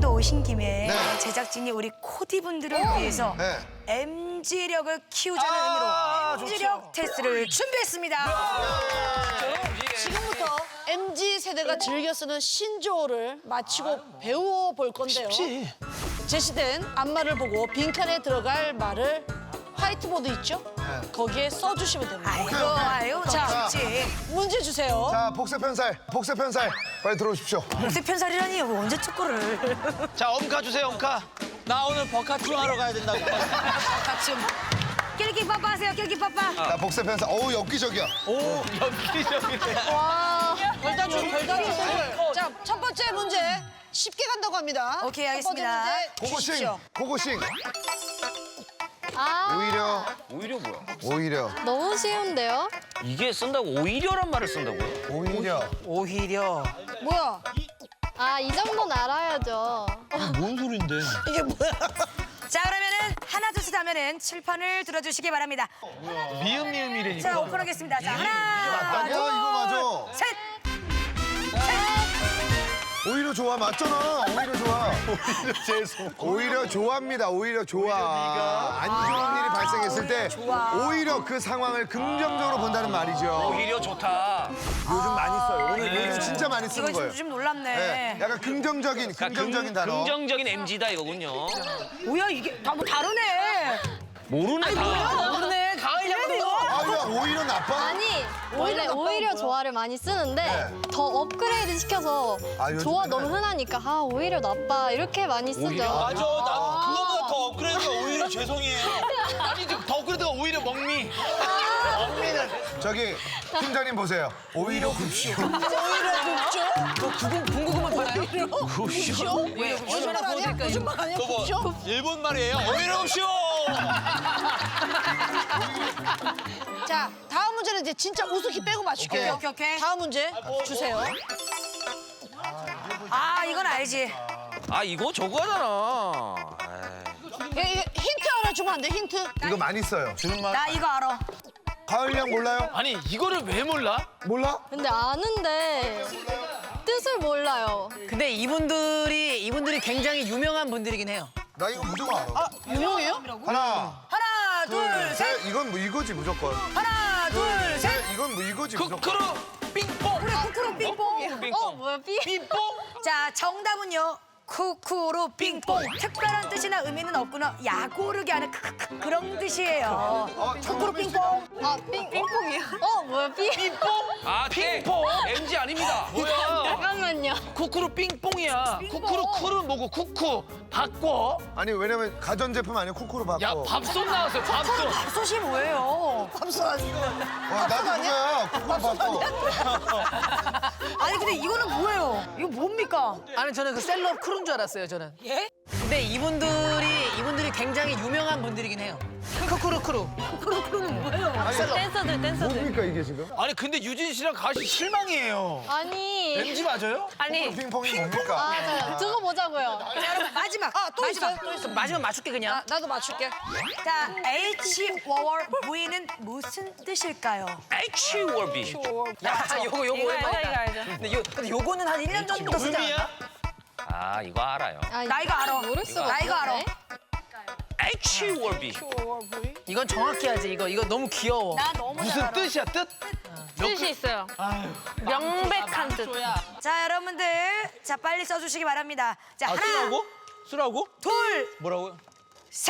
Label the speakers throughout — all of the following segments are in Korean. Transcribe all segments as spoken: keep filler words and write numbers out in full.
Speaker 1: 또 오신 김에
Speaker 2: 네.
Speaker 1: 제작진이 우리 코디분들을 위해서
Speaker 2: 네.
Speaker 1: 엠지력을 키우자는 의미로 엠지력 테스트를 준비했습니다.
Speaker 3: 지금부터 엠지 세대가 즐겨 쓰는 신조어를 마치고 배워볼 건데요.
Speaker 4: 쉽지.
Speaker 3: 제시된 앞말을 보고 빈칸에 들어갈 말을 화이트보드 있죠? 거기에 써주시면 됩니다.
Speaker 1: 아이고, 아유,
Speaker 3: 자.
Speaker 1: 좋지.
Speaker 3: 문제 주세요.
Speaker 2: 자, 복세 편살, 복세 편살. 빨리 들어오십시오.
Speaker 1: 복세 편살이라니, 뭐 언제 축구를.
Speaker 4: 자, 엄카 주세요, 엄카. 나 오늘 버카충 하러 가야 된다고.
Speaker 1: 같이. 낄끼 빠빠 하세요, 낄끼 빠빠.
Speaker 2: 자, 복세 편살. 어우, 엽기적이야.
Speaker 4: 오, 엽기적이네.
Speaker 3: 와, 별다줄, 별다줄. 자, 첫 번째 문제 쉽게 간다고 합니다.
Speaker 1: 오케이,
Speaker 3: 첫
Speaker 1: 알겠습니다.
Speaker 3: 번째 문제
Speaker 2: 고고싱,
Speaker 3: 주십시오.
Speaker 2: 고고싱.
Speaker 5: 아,
Speaker 2: 오히려,
Speaker 6: 오히려 뭐야?
Speaker 2: 오히려,
Speaker 5: 너무 쉬운데요?
Speaker 6: 이게 쓴다고 오히려란 말을 쓴다고요?
Speaker 2: 오히려.
Speaker 4: 오히려.
Speaker 3: 뭐야?
Speaker 5: 아, 이 정도는 알아야죠.
Speaker 4: 뭔 소린데?
Speaker 3: 이게 뭐야?
Speaker 1: 자, 그러면은 하나, 둘, 셋 하면은 칠판을 들어주시기 바랍니다.
Speaker 4: 미음 미음이래니까.
Speaker 1: 자, 오픈하겠습니다. 자, 하나,
Speaker 2: 야, 이거 맞아.
Speaker 1: 셋.
Speaker 2: 오히려 좋아, 맞잖아. 오히려 좋아.
Speaker 4: 오히려 죄송.
Speaker 2: 오히려 좋아합니다. 오히려 좋아. 안 좋은 일이 발생했을 때 오히려 그 상황을 긍정적으로 본다는 말이죠.
Speaker 6: 오히려 좋다.
Speaker 2: 요즘 많이 써요. 오늘 요즘 진짜 많이
Speaker 1: 이거
Speaker 2: 쓰는 거예요.
Speaker 1: 좀, 좀 놀랍네.
Speaker 2: 네, 약간 긍정적인, 긍정적인 단어.
Speaker 6: 긍정적인 엠지다 이거군요.
Speaker 1: 뭐야, 이게 다 뭐 다르네.
Speaker 6: 모르네 다.
Speaker 1: 모르네. 가을 양도.
Speaker 2: 아, 야, 오히려 나빠?
Speaker 5: 아니, 원래 오히려 좋아를 많이 쓰는데
Speaker 2: 네.
Speaker 5: 더 업그레이드 시켜서
Speaker 2: 아, 요즘에는-
Speaker 5: 좋아 너무 흔하니까 아, 오히려 나빠 이렇게 많이 쓰죠.
Speaker 4: 맞아, 나 그거보다 더 업그레이드가 오히려 죄송해요. 아니, 더 업그레이드가 오히려 먹미. 먹미는.
Speaker 2: 저기 팀장님 보세요. 오히려 굽쇼.
Speaker 3: 오히려 굽죠?
Speaker 1: 군고구마 팔아요?
Speaker 3: 굽죠?
Speaker 1: 왜?
Speaker 3: 거짓말 아니야? 거짓말 아니야?
Speaker 4: 그거
Speaker 3: 굽죠?
Speaker 4: 뭐 일본 말이에요. 오히려 굽쇼.
Speaker 3: 자, 다음 문제는 이제 진짜 우습게 빼고 맞출게요.
Speaker 1: 오케이, 오케이, 오케이.
Speaker 3: 다음 문제 주세요.
Speaker 1: 아, 이건 알지.
Speaker 6: 아 이거 저거잖아.
Speaker 3: 이게, 이게 힌트 하나 주면 안 돼? 힌트?
Speaker 2: 이거 많이 써요.
Speaker 4: 주는 말.
Speaker 1: 나 이거 알아.
Speaker 2: 가을양 몰라요?
Speaker 4: 아니, 이거를 왜 몰라?
Speaker 2: 몰라?
Speaker 5: 근데 아는데 뜻을 몰라요.
Speaker 7: 근데 이분들이 이분들이 굉장히 유명한 분들이긴 해요.
Speaker 2: 나 이거 무조건 알아.
Speaker 3: 아, 유명해요?
Speaker 2: 하나,
Speaker 1: 하나, 둘,
Speaker 2: 둘,
Speaker 1: 셋.
Speaker 2: 셋. 이건 뭐 이거지 무조건.
Speaker 1: 하나, 둘, 셋.
Speaker 2: 셋. 이건 뭐 이거지 무조건.
Speaker 4: 쿠크루 삥뽕.
Speaker 1: 그래, 쿠쿠루 빙뽕.
Speaker 5: 어, 뭐야, 삐?
Speaker 4: 삥뽕.
Speaker 1: 자, 정답은요. 쿠쿠루 빙뽕. 특별한 뜻이나 의미는 없구나. 야구르게 하는 크크크 그런 뜻이에요.
Speaker 2: 어,
Speaker 1: 쿠쿠루 빙뽕.
Speaker 5: 아, 삥, 삥뽕이요? 어, 뭐야, 삐?
Speaker 6: 아 핑퐁. 엠지 아닙니다.
Speaker 4: 뭐야?
Speaker 5: 잠깐만요.
Speaker 4: 쿠크루 삥뽕이야. 쿠크루 쿠루 뭐고 쿠쿠 바꿔.
Speaker 2: 아니 왜냐면 가전제품 아니야 쿠쿠로 바꿔.
Speaker 4: 야, 밥솥 나왔어요. 밥솥.
Speaker 1: 밥솥이 뭐예요?
Speaker 3: 밥솥 아니야?
Speaker 2: 와, 나도 그거야. 쿠쿠로 바꿔.
Speaker 1: 아니, 근데 이거는 뭐예요? 이거 뭡니까?
Speaker 7: 아니 저는 그 셀럽 크루인 줄 알았어요 저는.
Speaker 1: 예?
Speaker 7: 근데 이분들이 이분들이 굉장히 유명한 분들이긴 해요. 크크루 크루.
Speaker 1: 쿠쿠루는 뭐예요?
Speaker 5: 댄서들, 댄서들.
Speaker 2: 뭡니까 이게 지금?
Speaker 4: 아니, 근데 유진 씨랑 가시 실망이에요.
Speaker 5: 아니.
Speaker 4: 엠지 맞아요?
Speaker 1: 아니,
Speaker 2: 핑퐁이 뭡니까?
Speaker 5: 아, 자, 두고 보자고요.
Speaker 1: 자, 여러분, 마지막.
Speaker 3: 아, 또
Speaker 1: 마지막.
Speaker 3: 있어요? 또 있어.
Speaker 7: 마지막 맞출게 그냥.
Speaker 3: 아, 나도 맞출게.
Speaker 1: 자, H 워월 V는 무슨 뜻일까요?
Speaker 6: H 월비.
Speaker 7: 야, 요거 요거 오랜만이다.
Speaker 1: 이거 알죠.
Speaker 7: 근데 요 근데 요거는 한 일 년 전부터 쓰지 않았나?
Speaker 4: 의미야?
Speaker 6: 아 이거 알아요.
Speaker 5: 아,
Speaker 1: 나 이거 알아.
Speaker 5: 모를 수가
Speaker 1: 나 이거 알아.
Speaker 5: 없네.
Speaker 6: H 월비.
Speaker 7: 이건 정확히 하지. 이거 이거 너무 귀여워.
Speaker 1: 나 너무 잘
Speaker 4: 무슨
Speaker 1: 알아.
Speaker 4: 뜻이야, 뜻?
Speaker 8: 뜻이 있어요. 명백한 뜻.
Speaker 1: 자, 여러분들. 자, 빨리 써주시기 바랍니다. 자,
Speaker 4: 아,
Speaker 1: 하나,
Speaker 4: 쓰라고? 쓰라고?
Speaker 1: 둘,
Speaker 4: 뭐라고요?
Speaker 1: 셋.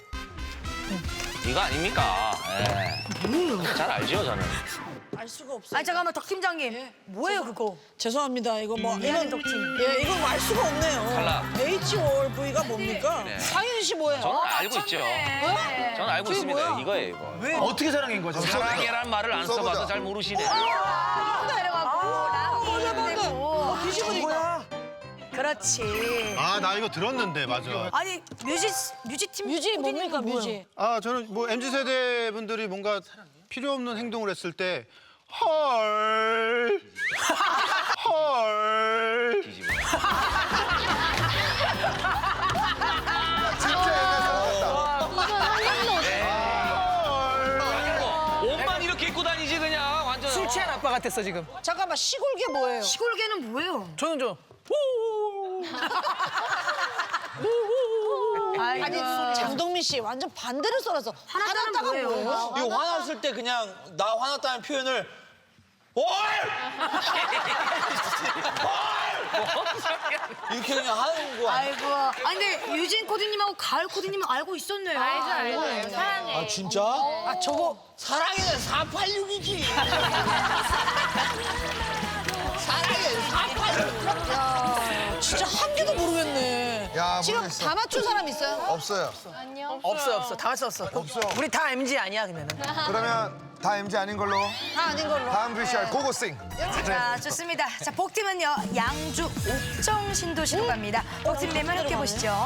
Speaker 6: 이거 아닙니까? 예. 잘 알죠 저는.
Speaker 3: 알 수가 없어.
Speaker 1: 아니, 잠깐만, 덕 팀장님. 뭐예요, 그거?
Speaker 3: 죄송합니다. 이거 뭐
Speaker 1: 미안해,
Speaker 3: 이건
Speaker 1: 덕팀.
Speaker 3: 예, 이건 알 수가 없네요.
Speaker 6: 탈락.
Speaker 3: H 월 V가 뭡니까?
Speaker 6: 네.
Speaker 3: 상윤 씨 뭐예요?
Speaker 6: 저는 알고 있죠. 저는 알고
Speaker 3: 그게
Speaker 6: 있습니다.
Speaker 3: 뭐야?
Speaker 6: 이거예요 이거.
Speaker 4: 왜? 어떻게 사랑인 거죠?
Speaker 6: 사랑이란 말을 안
Speaker 2: 써보자.
Speaker 6: 써봐서 잘 모르시네.
Speaker 1: 내려가고, 랑이 되고.
Speaker 3: 어, 뒤집으니까.
Speaker 1: 그렇지.
Speaker 9: 아, 나 이거 들었는데, 맞아.
Speaker 1: 아니, 뮤지, 뮤지팀.
Speaker 3: 뮤지 뭡니까,
Speaker 1: 뭐예요?
Speaker 3: 뮤지?
Speaker 9: 아, 저는 뭐 엠지 세대 분들이 뭔가 필요 없는 행동을 했을 때 헐. 헐.
Speaker 6: 뒤집어.
Speaker 2: 진짜 옛날 사람 같다.
Speaker 5: 이건 한 번도
Speaker 6: 아이고, 옷만 이렇게 입고 다니지 그냥 완전.
Speaker 7: 술 취한 아빠 같았어 지금.
Speaker 3: 잠깐만, 시골개 뭐예요?
Speaker 1: 시골개는 뭐예요?
Speaker 7: 저는 좀. 후.
Speaker 3: 아니 장동민 씨 완전 반대로 썰어서 화났다가 뭐예요?
Speaker 4: 이거 화났을 때 그냥 나 화났다는 표현을 올! 이렇게 그냥 하는 거 아니야?
Speaker 1: 아이고. 아 근데 유진 코디님하고 가을 코디님은 알고 있었네요.
Speaker 8: 알죠, 알죠, 알죠. 사랑해.
Speaker 4: 아 진짜?
Speaker 3: 아 저거
Speaker 4: 사랑에는 사팔육이지. 사랑에는 사팔육.
Speaker 3: 진짜 한 개도 모르겠네.
Speaker 2: 야,
Speaker 3: 지금
Speaker 2: 모르겠어.
Speaker 3: 다 맞춘 사람 있어요?
Speaker 2: 없어요.
Speaker 7: 없어 없어 다 맞췄어.
Speaker 2: 없어.
Speaker 7: 우리 다 엠지 아니야 그러면은.
Speaker 2: 그러면 다 엠지 아닌 걸로.
Speaker 3: 다 아닌 걸로.
Speaker 2: 다음 브이씨알 고고싱.
Speaker 1: 자, 좋습니다. 자, 복팀은요, 양주 옥정 신도시로 갑니다. 복팀님은 함께 보시죠.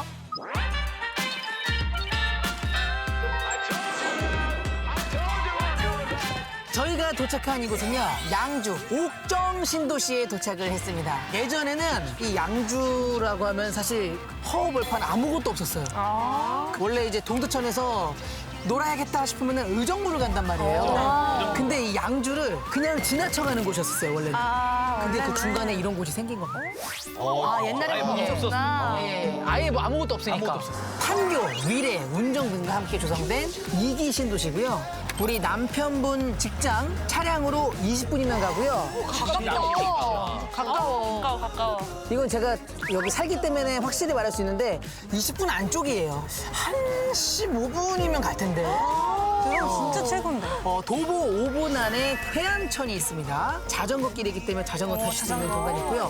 Speaker 7: 저희가 도착한 이곳은요 양주 옥정 신도시에 도착을 했습니다. 예전에는 이 양주라고 하면 사실 허허벌판 아무것도 없었어요. 원래 이제 동두천에서 놀아야겠다 싶으면 의정부를 간단 말이에요. 근데 이 양주를 그냥 지나쳐가는 곳이었어요 원래는. 근데 그 중간에 이런 곳이 생긴 겁니다.
Speaker 1: 아, 옛날에 뭐 없었구나.
Speaker 7: 예, 아예 뭐 아무것도 없으니까. 판교, 위례, 운정 등과 함께 조성된 이기 신도시고요. 우리 남편분 직장 차량으로 이십 분이면 가고요.
Speaker 8: 가까워. 가까워, 가까워.
Speaker 7: 이건 제가 여기 살기 때문에 확실히 말할 수 있는데 이십 분 안쪽이에요. 한 십오 분이면 갈 텐데.
Speaker 8: 진짜 최고인데.
Speaker 7: 어, 도보 오 분 안에 해안천이 있습니다. 자전거 길이기 때문에 자전거 타실 수 있는 공간이 있고요.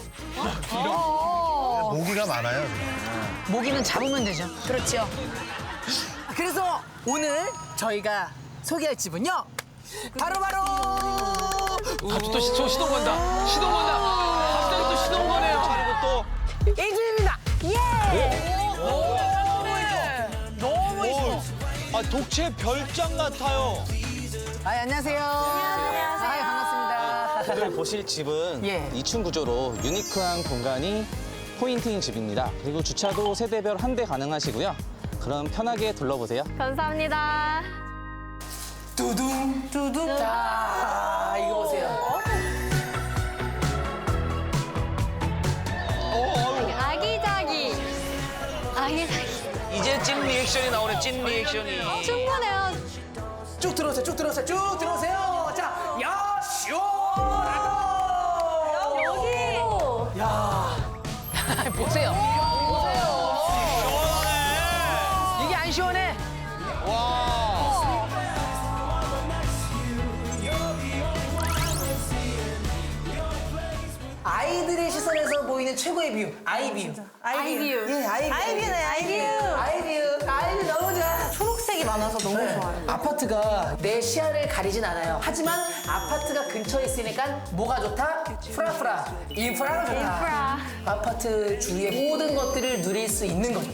Speaker 2: 모기가 많아요.
Speaker 7: 모기는 잡으면 되죠.
Speaker 1: 그렇죠.
Speaker 7: 그래서 오늘 저희가 소개할 집은요. 바로바로
Speaker 6: 갑자기 또 시, 저 시동 건다. 시동 건다. 갑자기 또 시동 거네요.
Speaker 4: 그리고 또
Speaker 7: 이 집입니다.
Speaker 4: 너무 이뻐. 아 독채 별장 같아요.
Speaker 7: 아, 안녕하세요. 안녕하세요. 아, 반갑습니다.
Speaker 10: 오늘 보실 집은
Speaker 7: 예.
Speaker 10: 이 층 구조로 유니크한 공간이 포인트인 집입니다. 그리고 주차도 세대별 한 대 가능하시고요. 그럼 편하게 둘러보세요.
Speaker 8: 감사합니다.
Speaker 7: 두둥 두둥. 자, 이거 보세요.
Speaker 8: 아기자기. 아기자기.
Speaker 6: 이제 찐 리액션이 나오네, 찐 리액션이.
Speaker 8: 충분해요.
Speaker 7: 쭉 들어오세요. 쭉 들어오세요. 쭉 들어오세요. 자, 야, 시원하다.
Speaker 8: 여기.
Speaker 7: 보세요. 보세요. 이게 안 시원해. 아이들의 시선에서 보이는 최고의 뷰, 아이뷰.
Speaker 8: 아이뷰.
Speaker 7: 예, 아이뷰.
Speaker 8: 아이뷰네, 아이뷰.
Speaker 7: 아이뷰, 아이뷰 너무 좋아.
Speaker 8: 초록색이 많아서 너무 좋아요.
Speaker 7: 아파트가 내 시야를 가리진 않아요. 하지만 아파트가 근처에 있으니까 뭐가 좋다? 프라프라. 인프라가 좋다.
Speaker 8: 인프라.
Speaker 7: 아파트 주위의 모든 것들을 누릴 수 있는 거죠.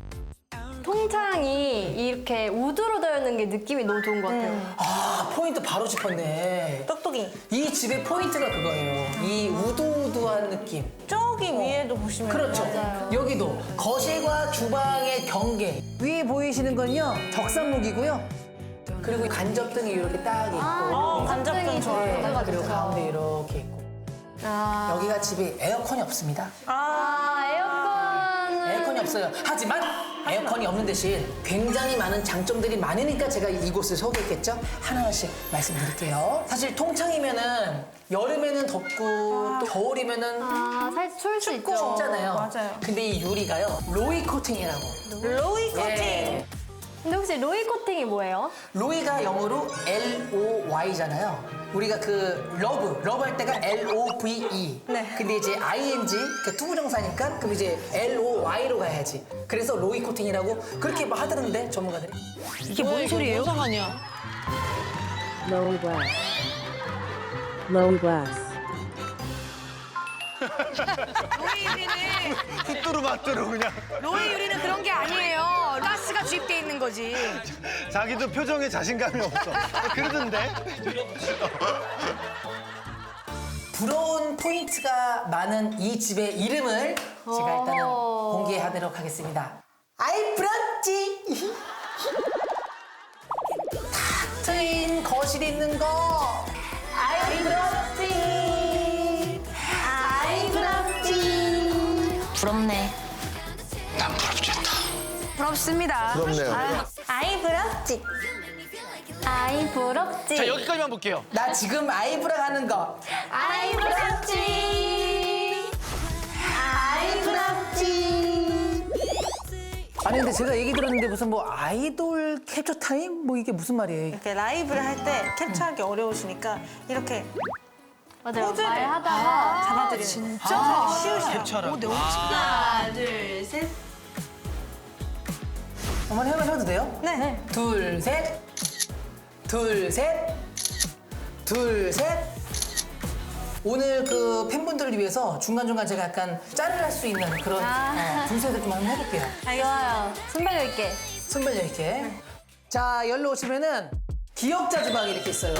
Speaker 5: 통창이 이렇게 우드로 되어 있는 게 느낌이 너무 좋은 것 같아요.
Speaker 7: 아, 포인트 바로 짚었네.
Speaker 5: 똑똑이.
Speaker 7: 이 집의 포인트가 그거예요. 이 우두우두한 느낌.
Speaker 5: 저기 위에도 보시면
Speaker 7: 그렇죠. 여기도 거실과 주방의 경계. 위에 보이시는 건요, 덕산목이고요. 그리고 간접등이 이렇게 딱 있고.
Speaker 5: 아, 간접등 좋아요.
Speaker 7: 네, 그리고 가운데 이렇게 있고.
Speaker 5: 아,
Speaker 7: 여기가 집에 에어컨이 없습니다.
Speaker 5: 아 에어컨은
Speaker 7: 에어컨이 없어요. 하지만 에어컨이 없는 대신 굉장히 많은 장점들이 많으니까 제가 이곳을 소개했겠죠? 하나하나씩 말씀드릴게요. 사실 통창이면은 여름에는 덥고 또 겨울이면은
Speaker 5: 아 살짝 추울 수 있죠.
Speaker 7: 춥잖아요.
Speaker 5: 맞아요.
Speaker 7: 근데 이 유리가요, 로이 코팅이라고.
Speaker 5: 로이 코팅.
Speaker 7: 예.
Speaker 5: 근데 혹시 로이 코팅이 뭐예요?
Speaker 7: 로이가 영어로 엘 오 와이잖아요. 우리가 그 러브, 러브 할 때가 엘 오 브이 이.
Speaker 5: 네.
Speaker 7: 근데 이제 아이 엔 지, 그 투부정사니까 그럼 이제 엘 오 와이로 가야지. 그래서 로이 코팅이라고 그렇게 뭐 하더는데 전문가들이.
Speaker 3: 이게 뭔 소리예요? 상하냐?
Speaker 11: Low glass. Low glass.
Speaker 1: 로이 유리는,
Speaker 9: 뚜뚜루마뚜루 그냥.
Speaker 1: 로이 유리는 그런 게 아니에요. 가스가 주입돼 있는 거지.
Speaker 9: 자기도 표정에 자신감이 없어. 그러던데.
Speaker 7: 부러운 포인트가 많은 이 집의 이름을 제가 일단은
Speaker 5: 오.
Speaker 7: 공개하도록 하겠습니다. 아이 브런치! 탁 트인 거실 있는 거. 아이 브런치! 아이 브런치!
Speaker 8: 부럽네.
Speaker 6: 난 부럽겠다.
Speaker 1: 부럽습니다.
Speaker 2: 부럽네요.
Speaker 1: 아,
Speaker 8: 아이 부럽지.
Speaker 5: 아이 부럽지.
Speaker 6: 자, 여기까지만 볼게요.
Speaker 7: 나 지금 아이브라 하는 거.
Speaker 5: 아이 부럽지. 아이 부럽지.
Speaker 7: 아니 근데 제가 얘기 들었는데 무슨 뭐 아이돌 캡처 타임? 뭐 이게 무슨 말이에요?
Speaker 8: 이렇게 라이브를 할 때 캡처하기 어려우시니까 이렇게
Speaker 5: 맞아요.
Speaker 8: 포즈를
Speaker 5: 말하다가
Speaker 8: 잡아드리는 진짜 쉬우셔요.
Speaker 4: 캡처라고.
Speaker 5: 하나, 둘, 셋.
Speaker 7: 어머니 한번 해도 돼요?
Speaker 8: 네.
Speaker 7: 둘, 셋. 둘, 셋. 둘, 셋. 오늘 그 팬분들을 위해서 중간중간 제가 약간 짤을 할 수 있는 그런
Speaker 5: 아.
Speaker 7: 어, 분석을 좀 한번 해볼게요.
Speaker 5: 좋아요. 순발력 있게.
Speaker 7: 순발력 있게. 자, 열로 오시면은 기억자 주방이 이렇게 있어요.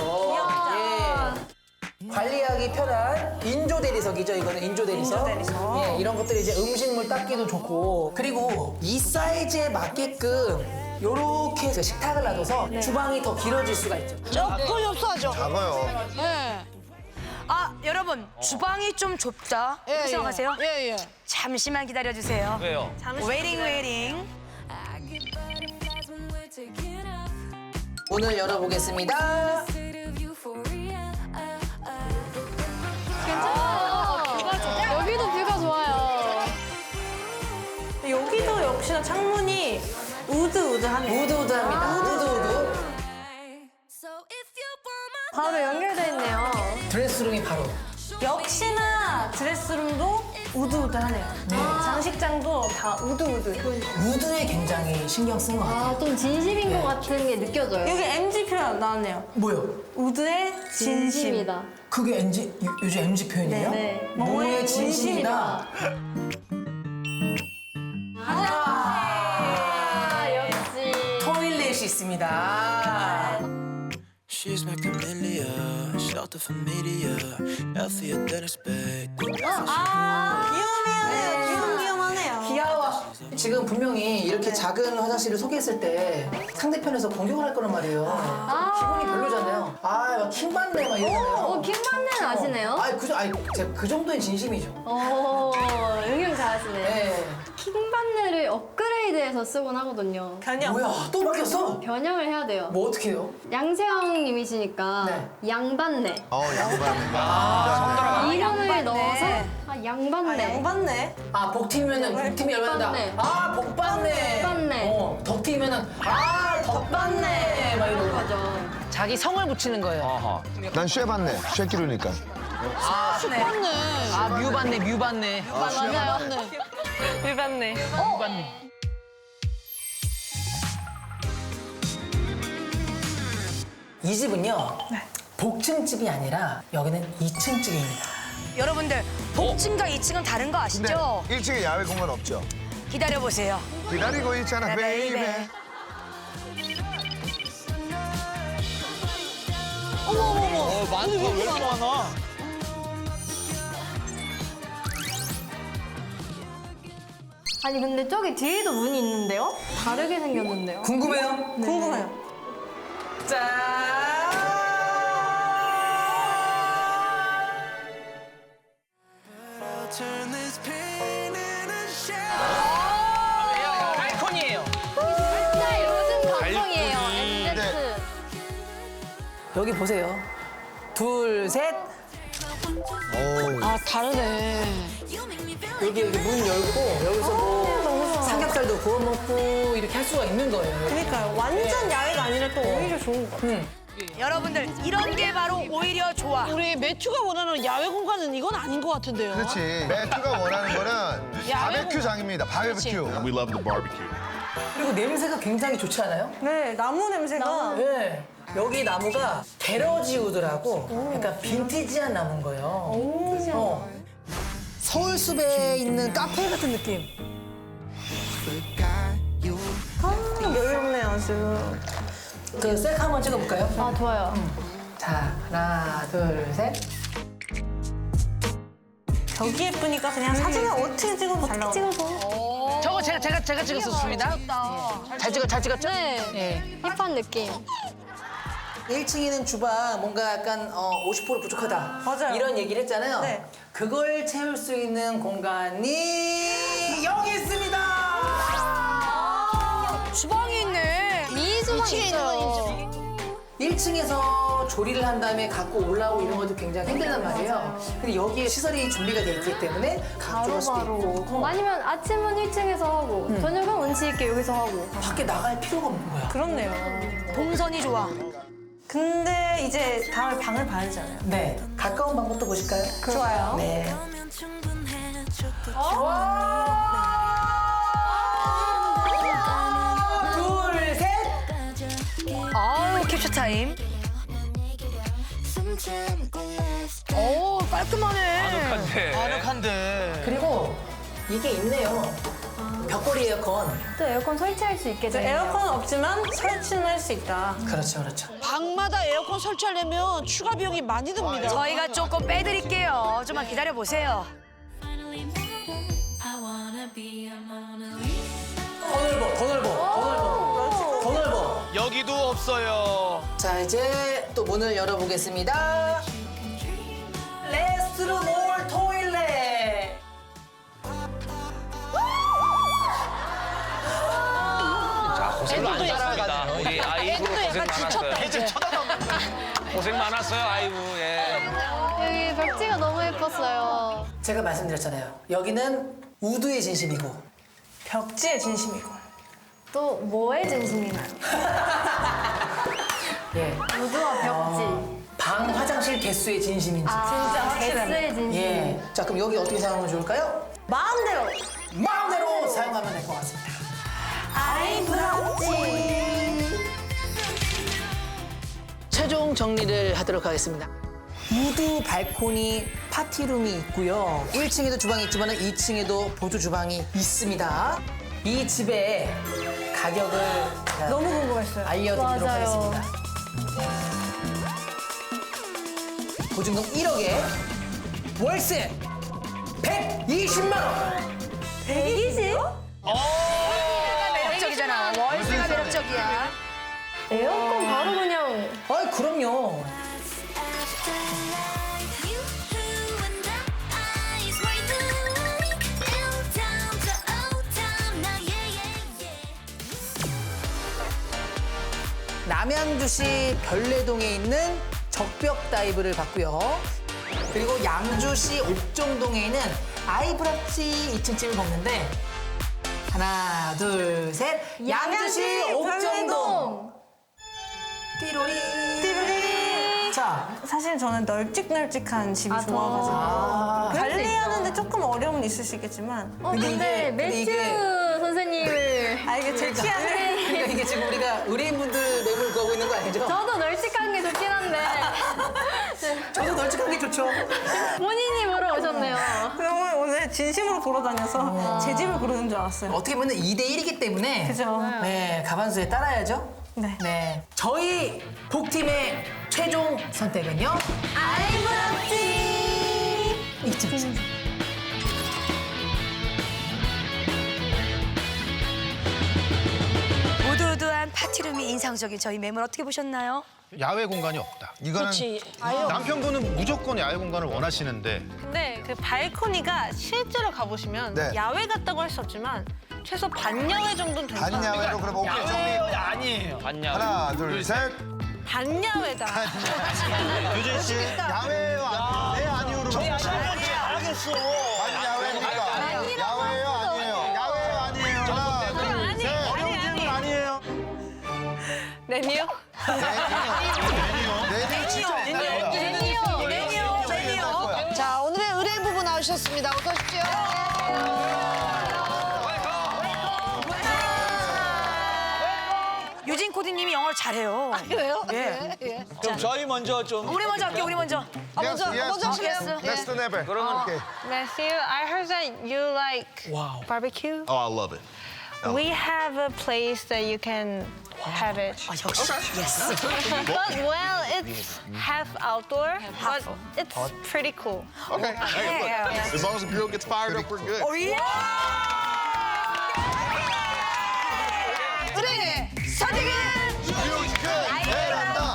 Speaker 7: 예. 관리하기 편한 인조 대리석이죠. 이거는 인조 대리석.
Speaker 8: 인조 대리석.
Speaker 7: 예, 이런 것들이 이제 음식물 닦기도 좋고. 그리고 이 사이즈에 맞게끔 요렇게 해서 식탁을 놔둬서 주방이 더 길어질 수가 있죠.
Speaker 3: 조금 협소하죠.
Speaker 2: 작아요.
Speaker 3: 예.
Speaker 1: 아 여러분 주방이 좀 좁다.
Speaker 3: 예,
Speaker 1: 이렇게
Speaker 3: 예.
Speaker 1: 생각하세요?
Speaker 3: 예, 예.
Speaker 1: 잠시만 기다려주세요.
Speaker 6: 왜요?
Speaker 1: 웨이팅 웨이팅.
Speaker 7: 문을 열어보겠습니다.
Speaker 5: 여기도 뷰가 좋아요.
Speaker 8: 여기도 역시나 창문이 우드우드하네요.
Speaker 7: 우드우드합니다. 우드우드.
Speaker 5: 바로 연결돼 있네요.
Speaker 7: 드레스룸이 바로.
Speaker 8: 역시나 드레스룸도 우드우드하네요. 장식장도 다 우드우드.
Speaker 7: 우드에 굉장히 신경 쓴 것 같아요.
Speaker 5: 아, 좀 진심인 것 같은 게 느껴져요.
Speaker 8: 여기 엠지 표현 나왔네요.
Speaker 7: 뭐요?
Speaker 8: 우드의 진심.
Speaker 5: 진심이다.
Speaker 7: 그게 엠지, 요- 요즘 엠지 표현이에요?
Speaker 5: 네.
Speaker 7: 뭐의 진심이다.
Speaker 5: 아, 역시.
Speaker 7: 토일렛이 있습니다.
Speaker 12: She's my camellia, shelter familiar, healthier than expected.
Speaker 8: 귀여워하네요. 귀염귀염하네요.
Speaker 7: 귀여워. 지금 분명히 이렇게 작은 화장실을 소개했을 때 상대편에서 공격을 할 거란 말이에요. 기분이 별로잖아요. 아, 막 킹받네 막 이러잖아요.
Speaker 5: 어, 킹받는 아시네요?
Speaker 7: 아니, 그, 아니, 제가 그 정도의 진심이죠.
Speaker 5: 오, 응용 잘하시네.
Speaker 7: 네.
Speaker 5: 킹반네를 업그레이드해서 쓰곤 하거든요.
Speaker 8: 변형.
Speaker 7: 뭐야, 또 바뀌었어?
Speaker 5: 변형을 해야 돼요.
Speaker 7: 뭐 어떻게 해요?
Speaker 5: 양세형님이시니까
Speaker 7: 네.
Speaker 5: 양반네.
Speaker 2: 어 양반. 아,
Speaker 5: 이름을
Speaker 1: 양반네.
Speaker 5: 넣어서 아,
Speaker 8: 아,
Speaker 5: 양반네.
Speaker 8: 양반네.
Speaker 7: 아, 복팀이면은 복팀이 열받는다.
Speaker 5: 복받네.
Speaker 7: 아, 복받네.
Speaker 5: 복받네.
Speaker 7: 어, 덕팀이면은 아, 덕받네. 막 이러고.
Speaker 5: 거죠.
Speaker 7: 자기 성을 붙이는 거예요.
Speaker 6: 아하.
Speaker 2: 난 쉐봤네. 쉐기루니까.
Speaker 3: 맞네.
Speaker 7: 아, 뮤받네, 뮤받네.
Speaker 5: 맞아요.
Speaker 8: 일반네.
Speaker 7: 뮤받네. 이 집은요, 복층집이 아니라 여기는 이 층집입니다.
Speaker 1: 여러분들 복층과 이 층은 다른 거
Speaker 2: 근데
Speaker 1: 아시죠?
Speaker 2: 일 층에 야외 공간 없죠?
Speaker 1: 기다려 보세요.
Speaker 2: 기다리고 있잖아, 베이베.
Speaker 4: 어, 많다. 왜 이렇게 많아?
Speaker 5: 아니 근데 저기 뒤에도 문이 있는데요? 다르게 생겼는데요?
Speaker 7: 궁금해요?
Speaker 8: 궁금해요.
Speaker 7: 짠!
Speaker 12: Turn this pain into
Speaker 6: 아이콘이에요.
Speaker 5: 진짜 요즘 감성이에요.
Speaker 2: 네.
Speaker 5: 엠제트.
Speaker 7: 여기 보세요. 둘, 셋.
Speaker 2: 어우.
Speaker 3: 아, 다르네.
Speaker 7: 여기 여기 문 열고 여기서 뭐 삼겹살도 구워 먹고 이렇게 할 수가 있는 거예요.
Speaker 8: 그러니까요. 완전 야외가 아니라 또 오히려 좋은 거 같아요.
Speaker 7: 음.
Speaker 1: 여러분들 이런 게 바로 오히려 좋아.
Speaker 3: 우리 매튜가 원하는 야외 공간은 이건 아닌 것 같은데요.
Speaker 2: 그렇지. 매튜가 원하는 거는 바베큐장입니다. 바베큐.
Speaker 13: We love the barbecue.
Speaker 7: 그리고 냄새가 굉장히 좋지 않아요?
Speaker 8: 네, 나무 냄새가.
Speaker 7: 네. 여기 나무가 베러지우드라고 약간 빈티지한 나무인 거예요. 어. 서울숲에 있는 카페 같은 느낌.
Speaker 8: 아, 여유롭네요, 아주.
Speaker 7: 그 셀카 한번 찍어볼까요?
Speaker 5: 아 좋아요.
Speaker 7: 자, 하나, 둘, 셋.
Speaker 8: 벽이 예쁘니까 그냥 사진을 어떻게 찍어도 잘 나오고.
Speaker 5: 찍어서.
Speaker 7: 저거 제가 제가 제가 찍었었습니다. 잘 찍어 잘 찍었죠?
Speaker 5: 네.
Speaker 7: 네.
Speaker 5: 힙한 느낌.
Speaker 7: 일 층에는 주방 뭔가 약간 어, 오십 퍼센트 부족하다.
Speaker 8: 맞아요.
Speaker 7: 이런 얘기를 했잖아요.
Speaker 8: 네.
Speaker 7: 그걸 채울 수 있는 공간이 여기 있습니다.
Speaker 1: 주방이 있네.
Speaker 3: 미주방이 있어요.
Speaker 7: 일 층에서 조리를 한 다음에 갖고 올라오고 이런 것도 굉장히 힘들단 말이에요. 근데 여기에 시설이 준비가 돼 있기 때문에 가져갈 수도 있고. 어.
Speaker 5: 아니면 아침은 일 층에서 하고 저녁은 운치 있게 여기서 하고.
Speaker 7: 밖에 나갈 필요가 없는 거야.
Speaker 8: 그렇네요.
Speaker 1: 동선이 좋아.
Speaker 8: 근데 이제 다음에 방을 봐야 되잖아요.
Speaker 7: 네. 가까운 방법도 보실까요?
Speaker 8: 좋아요.
Speaker 7: 네. 둘, 셋.
Speaker 1: 아우 캡처 타임. 오 깔끔하네.
Speaker 6: 아늑한데.
Speaker 4: 아늑한데.
Speaker 7: 그리고 이게 있네요. 벽걸이 에어컨.
Speaker 5: 또 에어컨 설치할 수 있게
Speaker 8: 이제
Speaker 5: 되네요.
Speaker 8: 에어컨은 없지만 설치는 할 수 있다.
Speaker 7: 그렇죠, 그렇죠.
Speaker 3: 방마다 에어컨 설치하려면 추가 비용이 많이 듭니다.
Speaker 1: 저희가 조금 빼드릴게요. 좀만 기다려 보세요.
Speaker 7: 더 넓어, 더 넓어, 더 넓어. 더 넓어.
Speaker 4: 여기도 없어요.
Speaker 7: 자, 이제 또 문을 열어보겠습니다. 레스트룸 올 토일렛.
Speaker 6: 자, 고생 많으셨습니다. 우리 아이브 고생 많았어요.
Speaker 4: 애들 쳐다보는
Speaker 6: 고생 많았어요, 아이브. 예.
Speaker 5: 여기 벽지가 너무 예뻤어요.
Speaker 7: 제가 말씀드렸잖아요. 여기는 우드의 진심이고.
Speaker 8: 벽지의 진심이고.
Speaker 5: 또 뭐의 진심이나요?
Speaker 7: 예.
Speaker 5: 우드와 벽지.
Speaker 7: 방 화장실 개수의 진심인지.
Speaker 5: 진짜 개수의 진심.
Speaker 7: 예. 자, 그럼 여기 어떻게 사용하면 좋을까요?
Speaker 8: 마음대로.
Speaker 7: 마음대로 사용하면 될 것 같습니다.
Speaker 5: 아이 부럽지.
Speaker 7: 최종 정리를 하도록 하겠습니다. 우드 발코니 파티룸이 있고요. 일 층에도 주방이 있지만 이 층에도 보조 주방이 있습니다. 이 집의 가격을 제가
Speaker 8: 너무 궁금했어요.
Speaker 7: 알려드리도록
Speaker 5: 맞아요.
Speaker 7: 하겠습니다. 보증금 일억에 월세 백이십만 원.
Speaker 8: 백이십?
Speaker 1: 매력적이잖아. 월세가 매력적이야.
Speaker 5: 에어컨 바로 그냥.
Speaker 7: 아이, 그럼요. 남양주시 별내동에 있는 적벽 다이브를 봤고요. 그리고 양주시 옥정동에 있는 아이브라치 이 층집을 봤는데 하나, 둘, 셋. 양주시 옥정동. 띠로리. 띠로리. 자,
Speaker 8: 사실 저는 널찍널찍한 집이
Speaker 5: 아,
Speaker 8: 좋아가지고
Speaker 5: 아, 그럴 수
Speaker 8: 관리하는데 조금 어려움은 있으시겠지만
Speaker 5: 어 근데,
Speaker 7: 이게-
Speaker 5: 매튜
Speaker 7: 이게-
Speaker 8: 아
Speaker 5: 선생님을.
Speaker 8: 이게 제 취향을
Speaker 7: 그러니까 이게 지금 우리가 의뢰인분들 뇌물 구하고 있는 거 아니죠?
Speaker 5: 저도 널찍한 게 좋긴 한데
Speaker 7: 저도 널찍한 게 좋죠.
Speaker 5: 본인이 보러 오셨네요.
Speaker 8: 오늘 오늘 진심으로 보러 다녀서 제 집을 고르는 줄 알았어요.
Speaker 7: 어떻게 보면 이 대 일이기 때문에
Speaker 8: 그죠?
Speaker 7: 네, 가반수에 따라야죠.
Speaker 8: 네.
Speaker 7: 네. 저희 복팀의 최종 선택은요?
Speaker 5: 아이브라치.
Speaker 7: 이쯤.
Speaker 1: 우드우드한 파티룸이 인상적인 저희 매물 어떻게 보셨나요?
Speaker 9: 야외 공간이 없다. 이거는
Speaker 3: 그렇지. 아예 없-
Speaker 9: 남편분은 무조건 야외 공간을 원하시는데
Speaker 8: 근데 그 발코니가 실제로 가보시면
Speaker 2: 네.
Speaker 8: 야외 같다고 할 수 없지만 최소 반야외 정도는 된다.
Speaker 2: 반야외로 그럼 오케이 정리.
Speaker 4: 야외요, 아니에요.
Speaker 6: 봤냐?
Speaker 2: 하나, 둘, 셋.
Speaker 8: 반야외다.
Speaker 9: 유진 씨 야외예요, 아니에요? 네, 아니요로
Speaker 4: 정치 알겠어.
Speaker 2: 반야외입니까? 야외예요, 아니에요? 야외예요, 아니에요? 하나, 둘,
Speaker 8: 아니,
Speaker 2: 셋.
Speaker 8: 아니, 아니.
Speaker 9: 아니에요.
Speaker 8: 네니요?
Speaker 2: 내년 진짜
Speaker 1: 매니어, 매니어, 매니어.
Speaker 3: 자, 오늘의 의뢰인 부부 나오셨습니다. 어서 오십시오.
Speaker 1: 유진 코디님이 영어를 잘해요.
Speaker 3: 그래요?
Speaker 1: 예.
Speaker 3: 네, 예.
Speaker 4: 그럼 저희 먼저 좀.
Speaker 1: 우리 먼저 할게요, 우리 먼저.
Speaker 3: 아, 먼저,
Speaker 2: Yes, yes.
Speaker 3: 먼저 하실래요?
Speaker 1: Yes.
Speaker 2: Best than ever. 그러면 오케이.
Speaker 8: Matthew, I heard that you like barbecue.
Speaker 9: Oh, I love it.
Speaker 8: We have a place that you can have it.
Speaker 1: 아, 역시. 예스.
Speaker 8: But well, it's half outdoor, but it's pretty cool.
Speaker 9: Okay.
Speaker 1: 예.
Speaker 9: As long as the grill gets fired up, we're good.
Speaker 1: 오, 예.
Speaker 3: 의뢰인!
Speaker 1: 선택은
Speaker 2: 뮤지컬 베란다.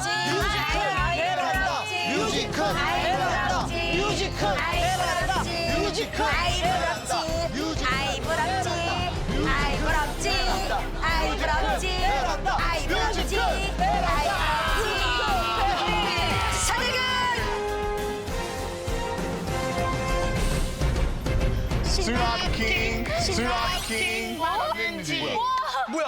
Speaker 2: 뮤지컬 베란다.
Speaker 3: 뮤지컬!
Speaker 1: 뮤지컬 아이브럽지 아이브럽지 아이브럽지 아이브럽지
Speaker 4: 스라킹, 스라킹. 뭐야?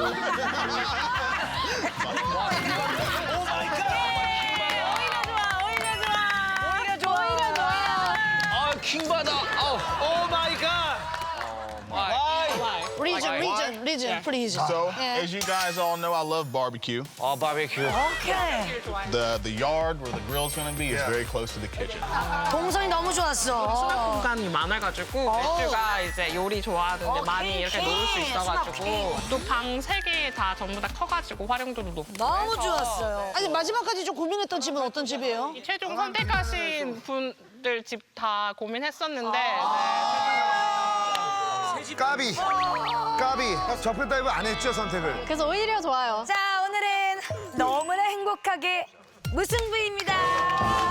Speaker 1: 오히려 좋아. 오히려 좋아.
Speaker 6: 아, 킹받아. 아우, 오 마이 갓.
Speaker 3: Region, region, region, please.
Speaker 13: So,
Speaker 3: Yeah.
Speaker 13: as you guys all know, I love barbecue.
Speaker 6: 아, 바베큐.
Speaker 1: 오케이.
Speaker 13: The the yard where the grill's going to be is very close to the kitchen.
Speaker 1: 동선이 너무 좋았어.
Speaker 14: 공간이 많아가지고 맥주가 이제 요리 좋아하는데 많이 이렇게 놓을 수 있어가지고 또 방 세 개 다 전부 다 커가지고 활용도도 높고
Speaker 1: 너무 좋았어요.
Speaker 3: 아니 마지막까지 좀 고민했던 집은 어떤 집이에요?
Speaker 14: 최종 선택하신 분들 집 다 고민했었는데
Speaker 2: 까비. 까비. 저편 다이브 안 했죠, 선택을?
Speaker 5: 그래서 오히려 좋아요.
Speaker 1: 자, 오늘은 너무나 행복하게 무승부입니다.